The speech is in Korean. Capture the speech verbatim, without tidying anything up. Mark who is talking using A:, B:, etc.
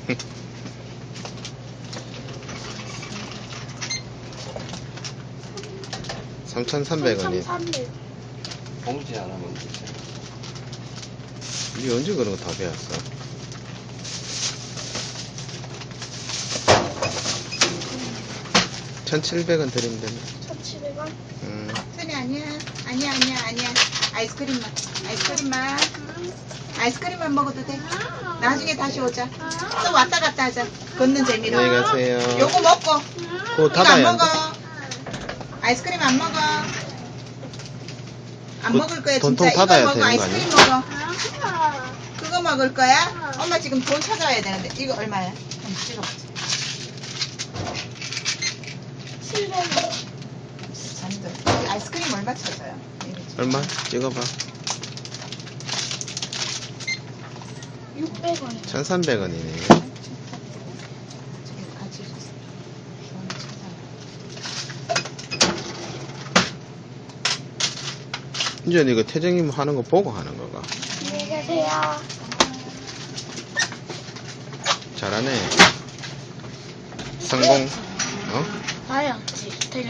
A: 삼천삼백 원이.
B: 삼천삼백.
C: 봉지 하나만 주세요.
A: 니 언제 그런 거 다 배웠어? 천칠백 원 드리면 되네.
B: 천칠백 원.
A: 음.
D: 선이 아니야. 아니야, 아니야, 아니야. 아이스크림만. 아이스크림만. 아이스크림만 먹어도 돼. 나중에 다시 오자. 또 왔다 갔다 하자. 걷는 재미로.
A: 안녕히 가세요.
D: 요거 먹고.
A: 그거
D: 이거 안
A: 닫아야
D: 먹어.
A: 돼.
D: 아이스크림 안 먹어. 안
A: 그
D: 먹을 거야,
A: 돈통
D: 진짜. 이거
A: 닫아야
D: 먹어.
A: 되는 거
D: 아이스크림
A: 아니야?
D: 먹어. 그거 먹을 거야? 엄마 지금 돈 찾아와야 되는데. 이거 얼마야? 한번 찍어보자.
B: 칠백 원.
D: 잔들. 아이스크림 얼마 찾아요?
A: 얼마? 찍어봐.
B: 육백 원.
A: 천삼백 원이네.
D: 저기 같이 줬어. 돈 찾아와.
A: 이제 이거 태정님 하는 거 보고 하는 거가.
B: 안녕히 계세요.
A: 잘하네. 성공. 어?
B: 봐야지.